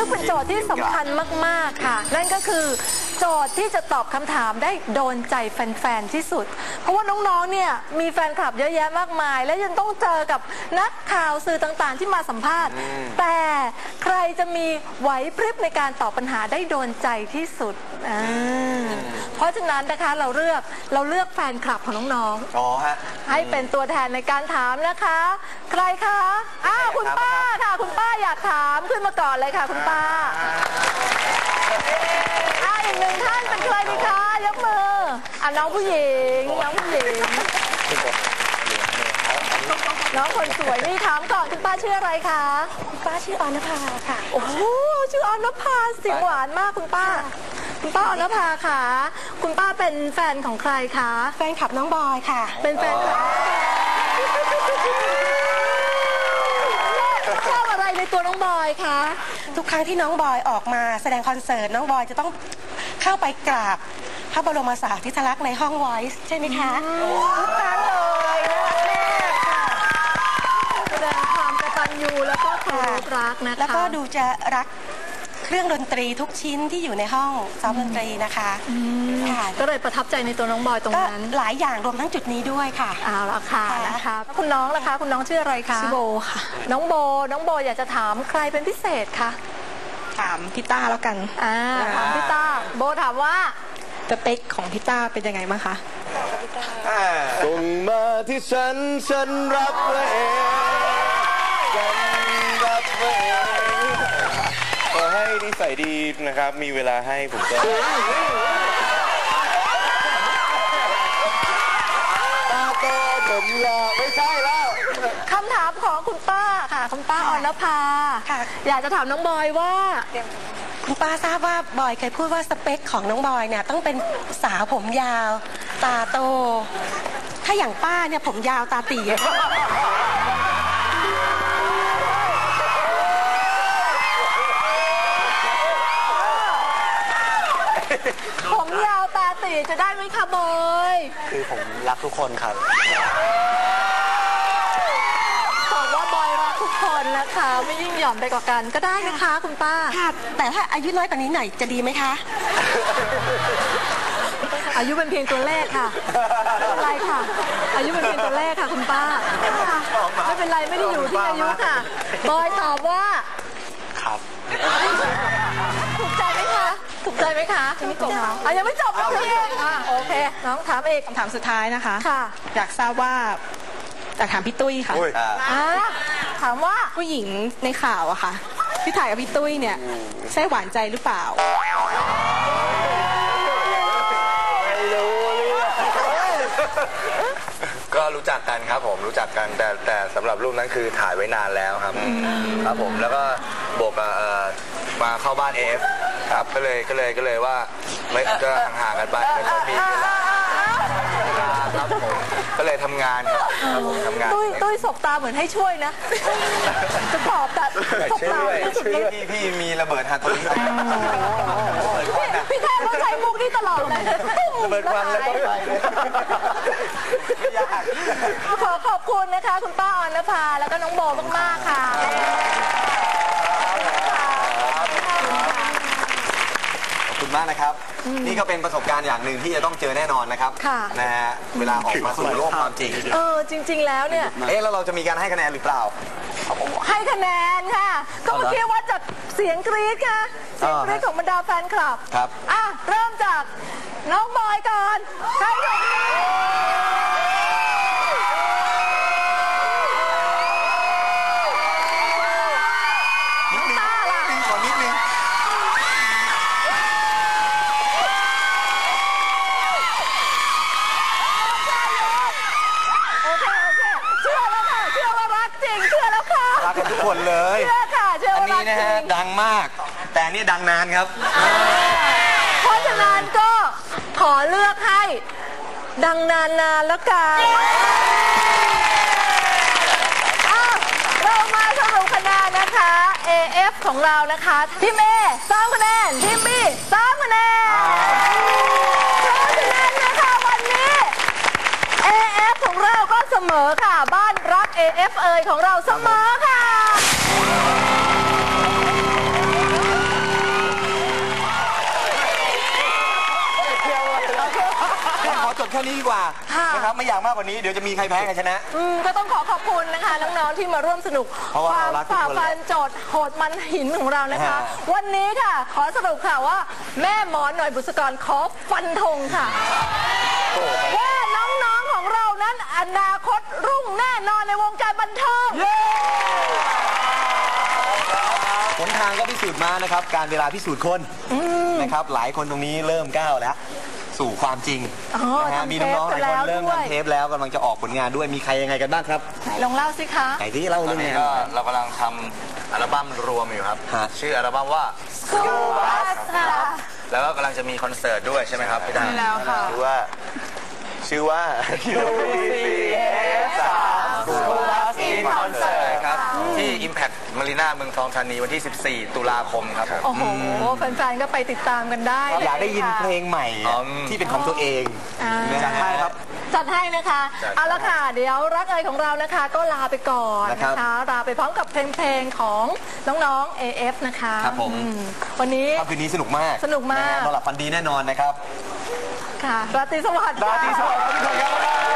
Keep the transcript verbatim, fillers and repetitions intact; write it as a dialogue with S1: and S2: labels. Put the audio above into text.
S1: งเป็นโจทย์ที่สำคัญมากๆค่ะนั่นก็คือโจทย์ที่จะตอบคำถามได้โดนใจแฟนๆที่สุดเพราะว่าน้องๆเนี่ยมีแฟนคลับเยอะแยะมากมายและยังต้องเจอกับนักข่าวสื่อต่างๆที่มาสัมภาษณ์แต่ใครจะมีไหวพริบในการตอบปัญหาได้โดนใจที่สุดเพราะฉะนั้นนะคะเราเลือกเราเลือกแฟนคลับของน้องๆอ๋อฮะให้เป็นตัวแทนในการถามนะคะใครคะอ้าวคุณป้าค่ะคุณป้าอยากถามขึ้นมาก่อนเลยค่ะคุณป้าอ่าอีกหนึ่งท่านเป็นใครดีคะยกมืออ่ะน้องผู้หญิงน้องผู้หญิงน้องคนสวยนี่ถามก่อนคุณป้าชื่ออะไรคะคุณป้าชื่อออนภาค่ะโอ้โหชื่อออนภาเสียงหวานมากคุณป้าคุณป้าออนภาค่ะคุณป้าเป็นแฟนของใครคะแฟนคลับน้องบอยค่ะเป็นแฟนคลับชอบอะไรในตัวน้องบอยคะทุกครั้งที่น้องบอยออกมาแสดงคอนเสิร์ตน้องบอยจะต้องเข้าไปกราบพระบรมสารีริกธาตุในห้องไวส์ใช่ไหมคะทุกครั้งเลยนะคะแสดงความกตัญญูแล้วก็เคารพรักนะคะแล้วก็ดูจะรักเครื่องดนตรีทุกชิ้นที่อยู่ในห้องซ้อมดนตรีนะคะก็เลยประทับใจในตัวน้องบอยตรงนั้นหลายอย่างรวมทั้งจุดนี้ด้วยค่ะเอาละค่ะนะคะคุณน้องล่ะคะคุณน้องชื่ออะไรคะชื่อโบค่ะน้องโบน้องโบอยากจะถามใครเป็นพิเศษคะถามพี่ต้าแล้วกันอ่าถามพี่ต้าโบถามว่าสเปคของพี่ต้าเป็นยังไงบ้างคะ
S2: ส่งมาที่ฉันฉันรับไว้เองฉันรับไว้เองขอให้นิสัยดีนะครับมีเวลาให้ผมก็ตาโตผมยาวไม่ใช่แล้ว
S1: คำถามของคุณป้าค่ะคุณป้าอรภาอยากจะถามน้องบอยว่าคุณป้าทราบว่าบอยเคยพูดว่าสเปคของน้องบอยเนี่ยต้องเป็นสาวผมยาวตาโตถ้าอย่างป้าเนี่ยผมยาวตาตีผมยาวตาตีจะได้ไหมคะบอย
S2: คือผมรักทุกคนครับ
S1: บอกว่าบอยรักทุกคนนะคะไม่ยิ่งหย่อนไปกว่ากันก็ได้นะคะคุณป้าค่ะแต่ถ้าอายุน้อยกว่านี้หน่อยจะดีไหมคะอายุเป็นเพียงตัวเลขค่ะไม่เป็นไรค่ะอายุเป็นเพียงตัวเลขค่ะคุณป้าไม่เป็นไรไม่ได้อยู่ที่อายุค่ะบอยตอบว่า
S2: ครับ
S1: ถูกใจไหมคะถูกใจไหมคะยังไม่จบอ่ะยังไม่จบนะพี่อ่ะโอเคน้องถามเอก
S3: คำถามสุดท้ายนะคะ
S1: ค่ะ
S3: อยากทราบว่าอยากถามพี่ตุ้ยค่ะ
S1: ถามว่า
S3: ผู้หญิงในข่าวอะค่ะที่ถ่ายกับพี่ตุ้ยเนี่ยใช่หวานใจหรือเปล่า
S2: ก็รู้จักกันครับผมรู้จักกันแต่แต่สำหรับรูปนั้นคือถ่ายไว้นานแล้วครับครับผมแล้วก็บวกมาเข้าบ้านเอฟครับก็เลยก็เลยก็เลยว่าไม่ก็ห่างๆกันไปไม่ค่อยมีเวลาครับผมก็เลยทำงานครับผมทำงาน
S1: ตุ้ยตุ้ยสบตาเหมือนให้ช่วยนะจะตอบแต่สบตา
S2: พี่พี่มีระเบิดฮาโตริ
S1: พี่แค่ต้องใช้มุกนี่ตลอดเลย
S2: ระเบิดควันแล้วก็ไป
S1: ขอขอบคุณนะคะคุณป้าอรภาแล้วก็น้องโบมากๆค่ะ
S2: ขอบคุณมากนะครับนี่ก็เป็นประสบการณ์อย่างหนึ่งที่จะต้องเจอแน่นอนนะครับนะฮะเวลาออกมาสู่โลกความจริง
S1: เออจริงๆแล้วเนี่ย
S2: เอ๊ะแล้วเราจะมีการให้คะแนนหรือเปล่า
S1: ให้คะแนนค่ะก็เมื่อกี้ว่าจากเสียงกรี๊ดค่ะเสียงกรี๊ดของบรรดาแฟนคลับ
S2: ครับ
S1: อ่ะเริ่มจากน้องบอยก่อนใครก่อน
S2: นิดนึงขอนิดนึง
S1: โอเคโอเคเชื่อแล้วค่ะเชื่อว่ารักจริงเชื่อแล้วค่ะ
S2: รักกันทุกคนเลย
S1: เชื่อค่ะเชื่อว่ารักจริงอันนี้
S2: นะฮะดังมากแต่นี่ดังนานครับ
S1: เพราะฉะนั้นก็ขอเลือกให้ดังนานๆแล้วกันเรามาสรุปคะแนนนะคะ เอ เอฟ ของเรานะคะทีม A สามคะแนนทีม B สามคะแนนเพราะฉะนั้นนะคะวันนี้ เอ เอฟ ของเราก็เสมอค่ะบ้านรัก เอ เอฟ เอยของเราเสมอค่ะ
S4: บแค่นี้ดีกว่า
S5: ค่ะ
S4: นะครับไม่อยากมากกว่านี้เดี๋ยวจะมีใครแพ้ใครชนะ
S5: อืมก็ต้องขอขอบคุณนะคะน้องๆที่มาร่วมสนุก
S4: เพราะว่า
S5: ควา
S4: เรา
S5: ม
S4: รักทุก
S5: ฝ่า
S4: คน
S5: ฟันโจทย์โหดมันหินของเรานะคะ
S4: ฮะ
S5: วันนี้ค่ะ ขอสรุปค่ะว่า แม่หมอหน่อยบุษกรขอฟันธงค่ะ ว่าน้องๆของเรานั้นอนาคตรุ่งแน่นอนในวงการบันเทิง
S4: หนทางก็พิสูจน์มานะครับการเวลาพิสูจน์คนนะครับหลายคนตรงนี้เริ่มก้าวแล้ว สู่ความจริง
S5: อ๋อ
S4: นะฮะ
S5: ทำ
S4: มีน้องๆหลายคน
S5: เทปกันแล้ว
S4: เริ่ม
S5: ด้วย
S4: ทำเทปแล้วกำลังจะออกผลงานด้วยมีใครยังไงกันบ้างครับ
S5: ไหนลองเล่าสิคะ
S4: ไหนที่เล่า
S2: ตอ
S4: เรื่อน ง
S2: นี้
S4: งาน
S2: ก็เรากำลังทำอัลบั้มรวมอยู่ครับ
S4: ฮะ
S2: ชื่ออัลบั้มว่า
S5: School Bus ค่ะ
S2: แล้วก็กำลังจะมีคอนเสิร์ตด้วยใช่ไหมครับพี่ดา
S5: ใช่แล้วค่ะ
S4: ชื่อว่าชื่อว่า
S2: คอนเสิร์ตครับที่ Impact Marina เมืองทองธานีวันที่ สิบสี่ ตุลาคมครับผม
S5: โอ้โหแฟนๆก็ไปติดตามกันได้เล
S4: อยากได้ยิน
S5: ค่ะ
S4: เพลงใหม่
S2: อ๋อ
S4: ที่เป็นของตัวเอง
S5: อ่า
S4: จัดให้ครับ
S5: จัดให้นะคะ
S2: จัด
S5: เอาละค่ะ เดี๋ยวรักเอยของเรานะคะ ก็ลาไปก่อน
S4: นะครั
S5: นะ
S4: บ
S5: คะ ลาไปพร้อมกับเพลงๆของน้องๆ เอ เอฟ นะคะ
S4: ครับผม
S5: อืวันนี้
S4: ค่ำคืนนี้สนุกมาก
S5: สนุกมาก
S4: ะฮะนอนหลับฝันดีแน่นอนนะครับ
S5: ค่ะราตรีสวัสดิ์
S4: ราตรีสวัสดิ์
S5: ค่ะ
S4: ครับทุกคนครับ